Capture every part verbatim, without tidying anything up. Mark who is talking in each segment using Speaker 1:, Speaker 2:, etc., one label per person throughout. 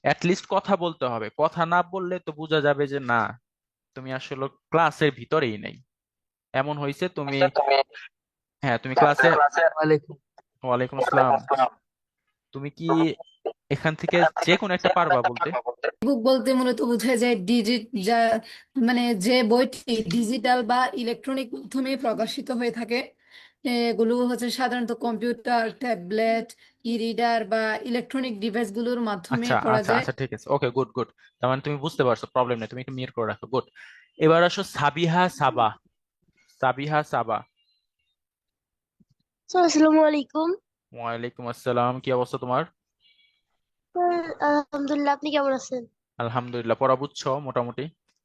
Speaker 1: At least কথা বলতে হবে, কথা না বললে তো বোঝা যাবে যে না তুমি আসলে ক্লাসের ভিতরেই নেই। এমন হয়েছে তুমি, হ্যাঁ তুমি ক্লাসে,
Speaker 2: ওয়ালাইকুম।
Speaker 1: ওয়ালাইকুম আসসালাম, তুমি কি এখান থেকে যে কোনো একটা পারবা বলতে?
Speaker 3: বুক বলতে মূলত বোঝায় যায় ডিজিট, যা মানে যে বইটি ডিজিটাল বা ইলেকট্রনিক মাধ্যমে প্রকাশিত হয়ে থাকে। এগুলো হচ্ছে সাধারণত কম্পিউটার, ট্যাবলেট, ই রিডার বা ইলেকট্রনিক ডিভাইসগুলোর মাধ্যমে
Speaker 1: আচ্ছা
Speaker 3: পড়া
Speaker 1: আচ্ছা
Speaker 3: যায়।
Speaker 1: আচ্ছা, ঠিক আছে, ওকে, গুড গুড। তার মানে তুমি বুঝতে পারছো, প্রবলেম নেই, তুমি একটু মিউট করে রাখো, গুড। এবার আসো সাবিহা সাবা। সাবিহা সাবা।
Speaker 4: স্যার আসসালামু আলাইকুম।
Speaker 1: ওয়ালাইকুম আসসালাম, কি অবস্থা তোমার?
Speaker 4: স্যার আলহামদুলিল্লাহ, আপনি কেমন আছেন?
Speaker 1: আলহামদুলিল্লাহ, পড়া বুঝছো মোটামুটি?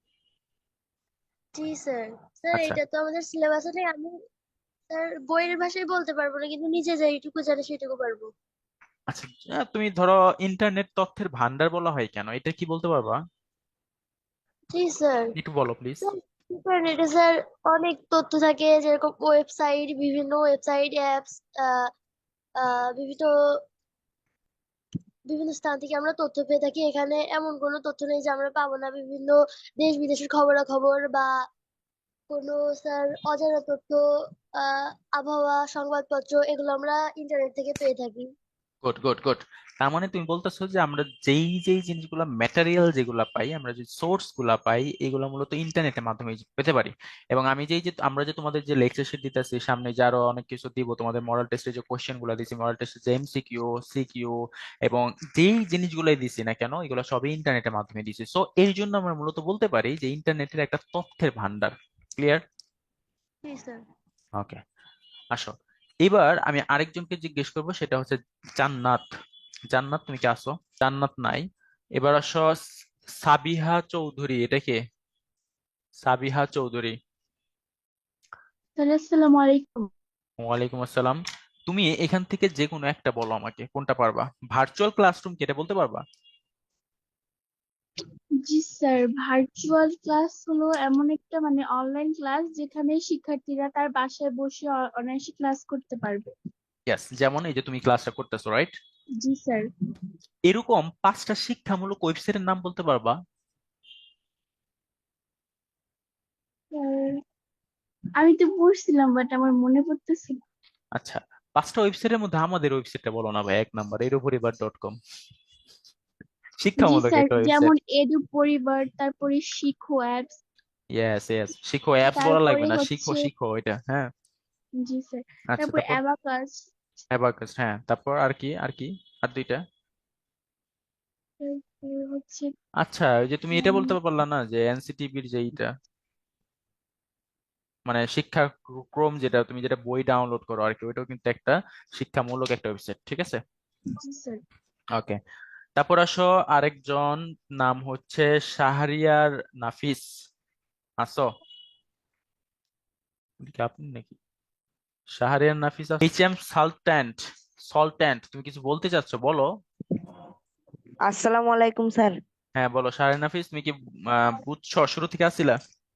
Speaker 4: জি স্যার। স্যার
Speaker 1: আচ্ছা
Speaker 4: এটা তো আমাদের সিলেবাসে নেই। আমি স্যার বইয়ের ভাষায় বলতে পারবো না, কিন্তু নিজে যেটুকু জানি সেটুকু পারবো।
Speaker 1: আচ্ছা, আহ, তুমি ধরো ইন্টারনেট তথ্যের ভান্ডার বলা হয় কেন, এটা কি বলতে পারবা?
Speaker 4: জি স্যার।
Speaker 1: একটু বলো প্লিজ।
Speaker 4: স্যার ইন্টারনেটে স্যার অনেক তথ্য থাকে, যেরকম ওয়েবসাইট, বিভিন্ন ওয়েবসাইট, অ্যাপস, বিভিন্ন বিভিন্ন স্থান থেকে আমরা তথ্য পেয়ে থাকি। এখানে এমন কোনো তথ্য নেই যে আমরা পাবো না। বিভিন্ন দেশ বিদেশের খবরাখবর বা কোনো স্যার অজানা তথ্য, আহ আবহাওয়া, সংবাদপত্র, এগুলো আমরা ইন্টারনেট থেকে পেয়ে থাকি।
Speaker 1: Good good good. তার মানে তুমি বলতেছো যে আমরা যেই যেই জিনিসগুলো ম্যাটেরিয়াল যেগুলা পাই, আমরা যে সোর্স গুলা পাই, এগুলো মূলত ইন্টারনেটের মাধ্যমে পেতে পারি। এবং আমি যেই যে আমরা যে তোমাদের যে লেকচার শিট দিতেছি, সামনে যে আরো অনেক কিছু দিব, তোমাদের মডেল টেস্টে যে কোশ্চেন গুলা দিছি, মডেল টেস্টে যে এমসিকিউ, সিকিউ, এবং যেই জিনিসগুলোই দিছি না কেন, এগুলো সবই ইন্টারনেটের মাধ্যমে দিছি। সো এর জন্য আমরা মূলত বলতে পারি যে ইন্টারনেটের একটা তথ্যের ভান্ডার। ক্লিয়ার?
Speaker 4: জি স্যার।
Speaker 1: ওকে, আসো। এবার আমি আরেকজনকে জিজ্ঞেস করবো, সেটা হচ্ছে জান্নাত। জান্নাত, তুমি কি আসো? জান্নাত নাই। এবার আসো সাবিহা চৌধুরী, এটা কে? সাবিহা চৌধুরী।
Speaker 5: স্যার আসসালামু আলাইকুম।
Speaker 1: ওয়ালাইকুম আসসালাম। তুমি এখান থেকে যে কোনো একটা বলো আমাকে, কোনটা পারবা? ভার্চুয়াল ক্লাসরুম কেটে বলতে পারবা?
Speaker 5: জি স্যার, ভার্চুয়াল ক্লাস হলো এমন একটা মানে অনলাইন ক্লাস যেখানে শিক্ষার্থীরা তার বাসায় বসে অ- অনায়াসে ক্লাস করতে পারবে।
Speaker 1: ইয়েস, যেমন এই যে তুমি ক্লাসটা করতেছো, রাইট?
Speaker 5: জি স্যার।
Speaker 1: এরকম পাঁচটা শিক্ষামূলক ওয়েবসাইটের নাম বলতে পারবা?
Speaker 5: স্যার, আমি তো পড়ছিলাম বাট আমার মনে পড়তেছে না।
Speaker 1: আচ্ছা, পাঁচটা ওয়েবসাইটের মধ্যে আমাদের ওয়েবসাইটটা বলো না ভাই, এক নাম্বার এর পরিবার ডট কম,
Speaker 5: জি
Speaker 1: শিক্ষামূলক
Speaker 5: স্যার,
Speaker 1: একটা ওয়েবসাইট।
Speaker 5: যেমন এডু পরিবার, তারপরে Shikho apps,
Speaker 1: yes yes, Shikho apps বলা লাগবে
Speaker 5: তারপরে
Speaker 1: না, শিখো
Speaker 5: হচ্ছে
Speaker 1: শিখো এটা, হ্যাঁ।
Speaker 5: জি স্যার,
Speaker 1: আচ্ছা,
Speaker 5: তারপরে
Speaker 1: তারপর?
Speaker 5: অ্যাবাকাস,
Speaker 1: অ্যাবাকাস, হ্যাঁ, তারপর আর কি আর কি? আর দুইটা?
Speaker 5: তারপরে হচ্ছে
Speaker 1: আচ্ছা, ওই যে তুমি এটা
Speaker 5: উম,
Speaker 1: বলতে পারলা না যে এনসিটিবির যে এইটা, মানে শিক্ষা ক্রম, যেটা তুমি যেটা বই ডাউনলোড করো আর কি, ওইটাও কিন্তু একটা শিক্ষামূলক একটা ওয়েবসাইট, ঠিক আছে?
Speaker 5: জি স্যার।
Speaker 1: ওকে, তারপর আসো আরেকজন, নাম হচ্ছে শাহরিয়ার নাফিস। আসো? এটা কি আপনি নাকি? শাহরিয়ার নাফিস, এইচ এম সালট্যান্ট। সল্ট্যান্ট, তুমি কিছু বলতে চাচ্ছো, বলো।
Speaker 6: আসসালামু আলাইকুম স্যার।
Speaker 1: হ্যাঁ বলো শাহরিয়ার নাফিস, তুমি কি আহ, বুঝছো, শুরু থেকে আসছিলা?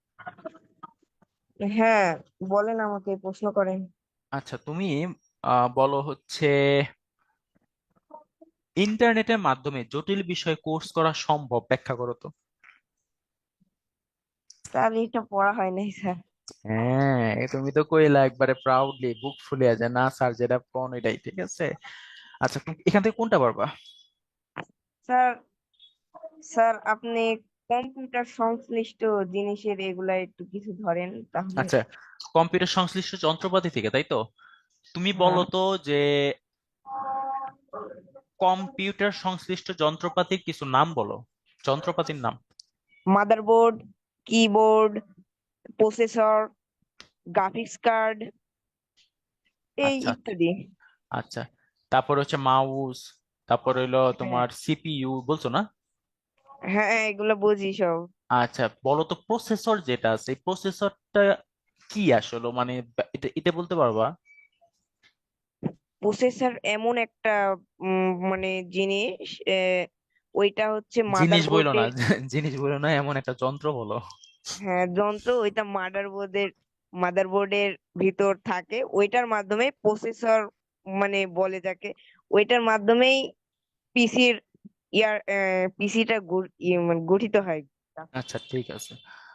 Speaker 6: হ্যাঁ, বলেন, আমাকে প্রশ্ন করেন।
Speaker 1: আচ্ছা, তুমি আহ, বলো হচ্ছে ইন্টারনেটের মাধ্যমে জটিল বিষয় কোর্স করা সম্ভব, ব্যাখ্যা করো তো।
Speaker 6: স্যার এটা পড়া হয় নাই স্যার।
Speaker 1: হ্যাঁ, তুমি তো কইলা একবারে প্রাউডলি, বুক ফুলিয়ে যায় না স্যার, যেটা কোন এটাই ঠিক আছে। আচ্ছা, তুমি এখান থেকে কোনটা পারবা?
Speaker 6: স্যার স্যার আপনি কম্পিউটার সংশ্লিষ্ট জিনিসের এগুলা একটু কিছু ধরেন তাহলে।
Speaker 1: আচ্ছা, কম্পিউটার সংশ্লিষ্ট যন্ত্রপাতি থেকে, তাই তো? তুমি বলো
Speaker 6: হ্যাঁ,
Speaker 1: তো যে কম্পিউটার সংশ্লিষ্ট যন্ত্রপাতির কিছু নাম বলো, যন্ত্রপাতির নাম।
Speaker 6: Motherboard, keyboard, processor, graphics card, এই
Speaker 1: আচ্ছা আচ্ছা
Speaker 6: ইত্যাদি।
Speaker 1: আচ্ছা, তারপর হচ্ছে মাউস, তারপর হইলো
Speaker 6: হ্যাঁ
Speaker 1: তোমার সিপিইউ, বলছো না?
Speaker 6: হ্যাঁ, এগুলা বুঝি সব।
Speaker 1: আচ্ছা, বলো তো প্রসেসর যেটা আছে, এই প্রসেসরটা কি আসলে, মানে এটা এটা বলতে পারবা?
Speaker 6: প্রসেসর এমন একটা উম, মানে জিনিস, আহ, ওইটা হচ্ছে
Speaker 1: জিনিস বইলো না,
Speaker 6: মাদারবোর্ডের।
Speaker 1: জিনিস বইলো না, এমন একটা যন্ত্র বলো।
Speaker 6: হ্যাঁ, যন্ত্র, ওইটা মাদারবোর্ডের মাদারবোর্ডের ভিতর থাকে, ওইটার মাধ্যমে প্রসেসর মানে বলে যাকে, ওইটার মাধ্যমেই পিসির ইয়ার পিসিটা গঠিত হয়।
Speaker 1: আচ্ছা ঠিক আছে।